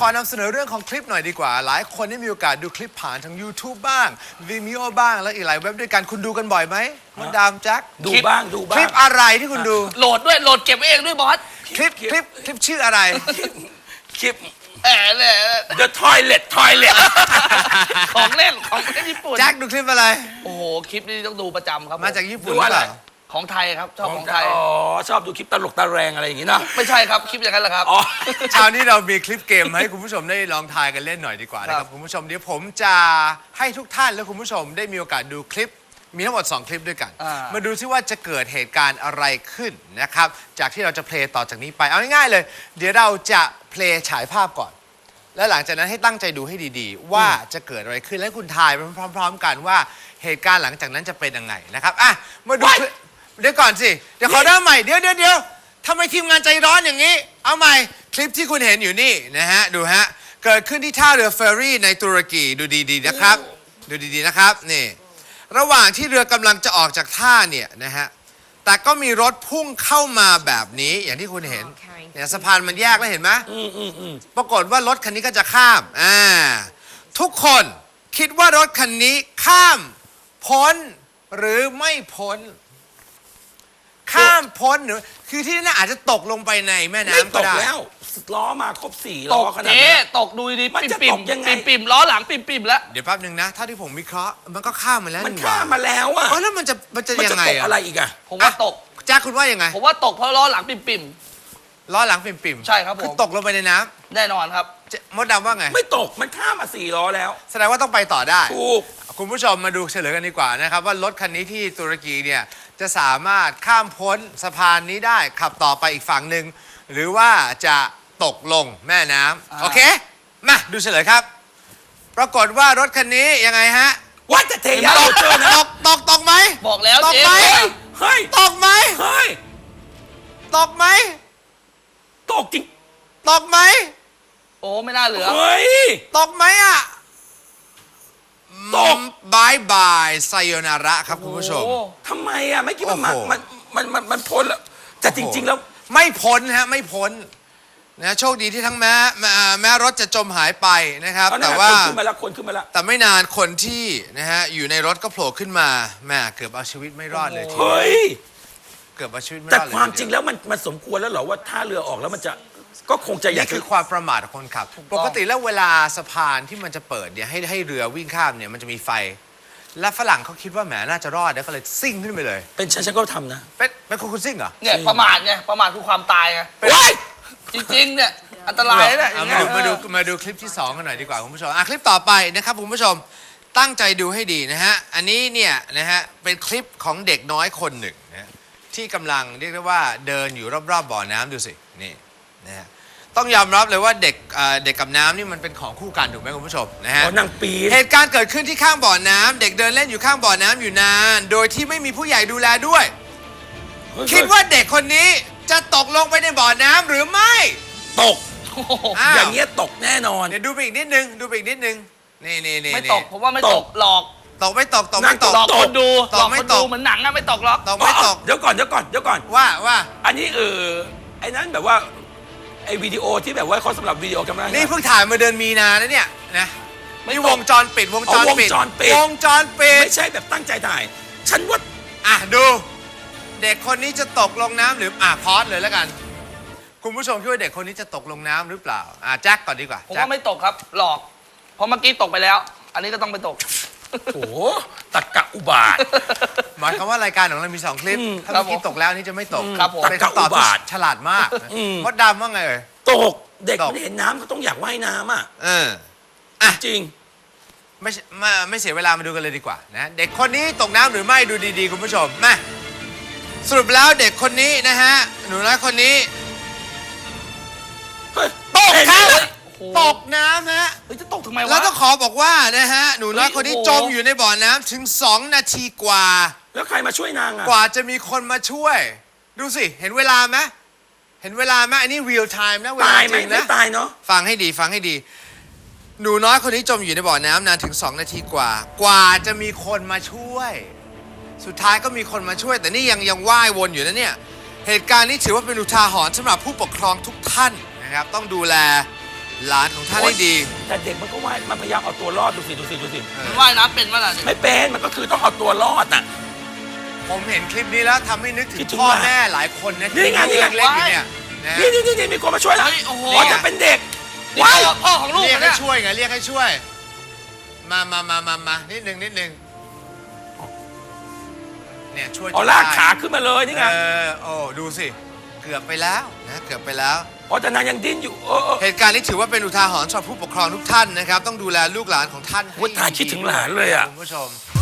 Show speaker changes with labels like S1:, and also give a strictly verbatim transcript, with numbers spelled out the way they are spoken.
S1: อนำเสนอเรื่องของคลิปหน่อยดีกว่าหลายคนได้มีโอกาสดูคลิปผ่านทาง YouTube บ้าง Vimeo บ้างและอีกหลายเว็บด้วยกันคุณดูกันบ่อยไหมมดดามแจ็ค
S2: ดูบ้างดูบ้าง
S1: คลิปอะไรที่คุณดู
S3: โหลดด้วยโหลดเก็บไว้เองด้วยบอส
S1: คลิปคลิปคลิปชื่ออะไร
S2: คลิป
S3: แหมเลย
S2: The Toilet Toilet
S3: ของเล่นของเล่นญี่ปุ่น
S1: แจ็คดูคลิปอะไร
S3: โอ้โหคลิปนี้ต้องดูประจำครับ
S1: มาจากญี่ปุ่น
S2: ดู
S1: หรือ
S2: อะไร
S1: เปล่า
S3: ของไทยครับชอบของไทย
S2: อ๋อชอบดูคลิปตลกตะแรงอะไรอย่างงี้เนอะ
S3: ไม่ใช่ครับคลิปอย่างนั้นแหละครับ
S2: อ๋อ
S1: เช้านี้เรามีคลิปเกมมาให้คุณผู้ชมได้ลองทายกันเล่นหน่อยดีกว่านะค
S3: ครั
S1: รับบ คุณผู้ชมเดี๋ยวผมจะให้ทุกท่านและคุณผู้ชมได้มีโอกาสดูคลิปมีทั้งหมดสองคลิปด้วยกัน
S3: อ่า
S1: มาดูซิว่าจะเกิดเหตุการณ์อะไรขึ้นนะครับจากที่เราจะเพลย์ต่อจากนี้ไปเอาง่ายๆเลย เดี๋ยวเราจะเพลย์ฉายภาพก่อน แล้วหลังจากนั้นให้ตั้งใจดูให้ดีๆ ว่าจะเกิดอะไรขึ้นและคุณทายไปพร้อม ๆ กันว่าเหตุการณ์หลังจากนั้นจะเป็นยังไงนะครับอ่ะมาดูคลิปเดี๋ยวก่อนสิเดี๋ยวขอเริ่มใหม่เดี๋ยวเดี๋ยวเดี๋ยวทำไมทีมงานใจร้อนอย่างนี้ เอาใหม่คลิปที่คุณเห็นอยู่นี่นะฮะดูฮะเกิดขึ้นที่ท่าเรือเฟอร์รี่ในตุรกีดูดีๆนะครับดูดีๆนะครับนี่ระหว่างที่เรือกำลังจะออกจากท่าเนี่ยนะฮะแต่ก็มีรถพุ่งเข้ามาแบบนี้อย่างที่คุณเห็นเนี่ยสะพานมันแยกแล้วเห็นไหม
S2: อืมอืมอืม
S1: ปรากฏว่ารถคันนี้ก็จะข้ามอ่าทุกคนคิดว่ารถคันนี้ข้ามพ้นหรือไม่พ้น ข้ามพ้นหรือคือที่นั่นอาจจะตกลงไปในแม่
S2: ไม่
S1: น้ำ
S2: ต
S1: ก็
S2: ก
S1: ได้
S2: แล้วล้อมาครบสี่
S3: ต
S2: ล้อก ขนาด
S3: เจ๊
S2: นั้น
S3: ตกดูดี
S2: มัน
S3: ปิ่ม
S2: จะ
S3: ปิ่
S2: ต
S3: ม
S2: กยังไง
S3: ปิ่มปิ่มล้อหลังปิ่มปิ่มแล้ว
S1: เดี๋ยวแป๊บหนึ่งนะถ้าที่ผมวิเคราะห์มันก็ข้ามมาแล้ว
S2: มัน
S1: นี่หว่
S2: ข้ามมาแล้วอะ
S1: เออแล้วมันจะมันจะ
S2: มัน
S1: ยั
S2: จะ
S1: งไง
S2: ตก
S1: อะ
S2: อะไรอีกอะ
S3: ผมว่าตก
S1: แจ้าคุณว่ายังไง
S3: ผมว่าตกเพราะล้อหลังปิ่มปิ่ม
S1: ล้อหลังปิ่มๆ
S3: ใช่ครับผม
S1: คือตกลงไปในน้
S3: แน่นอนครับ
S1: ำเจ๊มดดำว่าไง
S2: ไม่ตกมันข้ามมาสี่ล้อแล้ว
S1: แสดงว่าต้องไปต่อได้
S2: ถูก
S1: คุณผู้ชมมาดูเฉลยกันดีกว่านะครับว่ารถคันนี้ที่ตุรกีเนี่ยจะสามารถข้ามพ้นสะพานนี้ได้ขับต่อไปอีกฝั่งหนึ่งหรือว่าจะตกลงแม่น้ำ
S3: อ่า
S1: โอเคมาดูเฉลยครับ ปรากฏว่ารถคันนี้ยังไงฮะ
S2: ว่าจะเทยา
S1: ต
S2: เรา
S1: ก
S2: เจอนะ
S1: ตกตกตกไหม
S3: บอกแล้ว
S1: ตก
S3: เจ๊
S1: ไหม
S2: เฮ้ย
S1: ตกไหม
S2: เฮ้ย
S1: ตกไหม
S2: ตกจริง
S1: ตกไหม
S3: โอ้ไม่น่าเหลือ
S2: เฮ้ย
S1: ตกไหมอ่ะ
S2: ตก
S1: บายบายไซโยนาระครับคุณผู้ชม
S3: โอ้
S2: ทำไมอะไม่คิดว่ามัน
S1: โอ้โห
S2: มันมันมันมันพ้นแล้วแต่จริง ๆ แล้ว
S1: ไม่พ้นฮะไม่พ้นนะโชคดีที่ทั้งแม้แม้แม้รถจะจมหายไปนะครับ
S2: เอาหน้า
S1: แต่ว่า
S2: คนขึ้นมาแล้วคนขึ้นมาแล้ว
S1: แต่ไม่นานคนที่นะฮะอยู่ในรถก็โผล่ขึ้นมาแม่เกือบเอาชีวิตไม่รอดเลยทีเดียว
S2: เฮ้ย
S1: เกือบเอาชีวิตไม่
S2: แต่
S1: รอดเลย
S2: ความ
S1: ที
S2: จริง
S1: เดีย
S2: แล้วมันมันสมควรแล้วเหรอว่าถ้าเรือออกแล้วมันจะก็คงจะอยาก
S1: นี่
S2: จะ
S1: คือความประมาทของคนขับ
S3: ถูกต้อง
S1: ปกติแล้วเวลาสะพานที่มันจะเปิดเนี่ยให้ให้เรือวิ่งข้ามเนี่ยมันจะมีไฟ และฝรั่งเขาคิดว่าแหมน่าจะรอดแล้วก็เลยซิ่งขึ้นไปเลย
S2: เป็นฉันฉันก็ทำนะ
S1: เป็นเป็นคุณคุณซิ่งเหรอ
S3: เนี่ยประมาทไงประมาทคือความตายไง
S2: ว้าย
S3: จริงๆเนี่ยอันตรายนะอ
S1: เอา
S3: ย่าง
S1: มา
S3: เงี้ย
S1: ดูมาดูมาดูคลิปที่สองกันหน่อยดีกว่าคุณผู้ชมอ่ะคลิปต่อไปนะครับคุณผู้ชมตั้งใจดูให้ดีนะฮะอันนี้เนี่ยนะฮะเป็นคลิปของเด็กน้อยคนหนึ่งนะที่กำลังเรียกได้ว่าเดินอยู่รอบๆบ่อน้ำดูสินี่นะฮะต้องยอมรับเลยว่าเด็กเอ่อเด็กกับน้ำนี่มันเป็นของคู่กันถูกไหมคุณผู้ชมนะฮะ
S2: อ๋อนางปีน
S1: เหตุการณ์เกิดขึ้นที่ข้างบ่อน้ำเด็กเดินเล่นอยู่ข้างบ่อน้ำอยู่นาน โดยที่ไม่มีผู้ใหญ่ดูแลด้วย คิดว่าเด็กคนนี้จะตกลงไปในบ่อน้ำหรือไม่
S2: ตก
S3: โอ้โห
S1: อ้าว
S2: อย่างเงี้ยตกแน่นอน
S1: เดี๋ยวดูไปอีกนิดนึงดูไปอีกนิดนึงนี่นี่นี่
S3: ไม่
S1: นี่
S3: ตกผมว่าไม่
S2: ต
S3: ต
S2: ก
S3: กหลอก
S1: ตกไม่ตกตกไม่ตก
S3: หลอกคนดู
S1: ตก
S3: หลอก
S1: ไม่
S3: คน
S1: ต
S3: ดู
S1: ก
S3: เหมือนหนังอะไม่ตกหรอก
S1: ตกไม่ตก
S2: เดี๋ยวก่อนเดี๋ยวก่อนเดี๋ยวก่อน
S1: ว่าว่า
S2: อันนี้เออไอ้นั้นแบบว่าไอ้วิดีโอที่แบบว่าเขาสำหรับวิดีโอกันมา
S1: นี่เพิ่งถ่ายมาเดือนมีนานะเนี่ยนะนี่วงจรปิดวงจรปิด
S2: เอาวงจรปิด
S1: วงจรปิด
S2: ไม่ใช่แบบตั้งใจถ่าย ฉันว่า
S1: อ่ะดู เด็กคนนี้จะตกลงน้ำหรืออ่ะพอดเลยแล้วกัน คุณผู้ชมคิดว่าเด็กคนนี้จะตกลงน้ำหรือเปล่าอ่ะแจ็คก่อนดีกว่า
S3: ผม
S1: แจ็ค
S3: ว่าไม่ตกครับหลอกเพราะเมื่อกี้ตกไปแล้ว อันนี้ก็ต้องไปตก
S2: โอ้โหตักกะอุบาท
S1: หมายความว่ารายการของเรามีสองคลิป
S2: อืม
S1: ถ้าเมื่อกี้ตกแล้วอันนี่จะไม่ตก
S3: ครับผม
S1: เป็นคำตอบ
S2: ตะกะอุ
S1: ที่
S2: บาท
S1: ฉลาดมาก
S2: อืม
S1: มดดำว่าไงเอ่ย
S2: ตกเด็ก
S1: ตก
S2: มันเห็นน้ำก็ต้องอยากว่ายน้ำอ่ะ
S1: เอออ่ะ
S2: จริง
S1: ไม่ใช่ไม่ไม่เสียเวลามาดูกันเลยดีกว่านะเด็กคนนี้ตกน้ำหรือไม่ดูดีๆคุณผู้ชมมาสรุปแล้วเด็กคนนี้นะฮะหนูน้อยคนนี้
S2: เฮ้ย
S1: ตก
S2: เห็น
S1: ค
S2: ไหม
S1: รับ
S2: ล่ะ
S3: โอ้โห
S1: ตกน้ำฮะ
S3: เฮ้ยจะตกทำไมวะ
S1: แล้วต้องขอบอกว่านะฮะหนูน้อยคนนี้
S3: เฮ้ย
S1: จ
S3: โอ้
S1: ม
S3: โห
S1: อยู่ในบ่อน้ำถึงสองนาทีกว่า
S2: แล้วใครมาช่วยนางอ่ะ
S1: กว่าจะมีคนมาช่วย ดูสิเห็นเวลาไหมเห็นเวลาไหมอันนี้ real time นะเวลา
S2: ตาย
S1: จ
S2: ไหม
S1: ริง
S2: ไม่
S1: นะ
S2: ตายเนาะ
S1: ฟังให้ดีฟังให้ดี หนูน้อยคนนี้จมอยู่ในบ่อน้ำนานถึงสองนาทีกว่า กว่าจะมีคนมาช่วย สุดท้ายก็มีคนมาช่วย แต่นี่ยังยังว่ายวนอยู่นะเนี่ย เหตุการณ์นี้ถือว่าเป็นอุทาหรณ์สำหรับผู้ปกครองทุกท่านนะครับ ต้องดูแลหลานของท่านให้ดี
S2: แต่เด็กมันก็ว่ายมันพยายามเอาตัวรอดดูสิดูสิดูสิ
S3: มันว่ายน้ำเป็นมั้ยล่ะ
S2: ไม่เป็นมันก็คือต้องเอาตัวรอดน่ะ
S1: ผมเห็นคลิปนี้แล้วทำให้นึกถึง
S2: คิดถึง
S1: พ่อ
S2: ว่า
S1: แม่หลายคนนะ
S2: นี่
S1: ที่
S2: ไงนี่
S1: ยัง
S2: ไง
S1: เล็กอยู่เนี่ยนะ
S2: นี่นี่นี่นี่มีคนมาช่วยแล้ว
S3: เฮ้ยโอ้โห
S2: อ๋อจะเป็นเด็ก
S3: นี่
S2: ว้าย
S3: พ่อพ่อของลูก
S1: เรียก
S3: เนี่
S1: ให้
S3: ย
S1: ช่วยไงเรียกให้ช่วย มามามามามานิดนึงนิดนึงเนี่ยช่วย
S2: อ๋อลากขาขึ้นมาเลยนี่ไง
S1: เออโอ้ดูสิเกือบไปแล้วนะเกือบไปแล้ว
S2: อ๋อแต่นางยังดิ้นอยู่เออเออ
S1: เหตุการณ์นี้ถือว่าเป็นอุทาหรณ์สำหรับผู้ปกครองทุกท่านนะครับ ต้องดูแลลูกหลานของท่านให้
S2: โอ้ยตายคิดถึงหลานเลยอะ
S1: คุณผู้ชม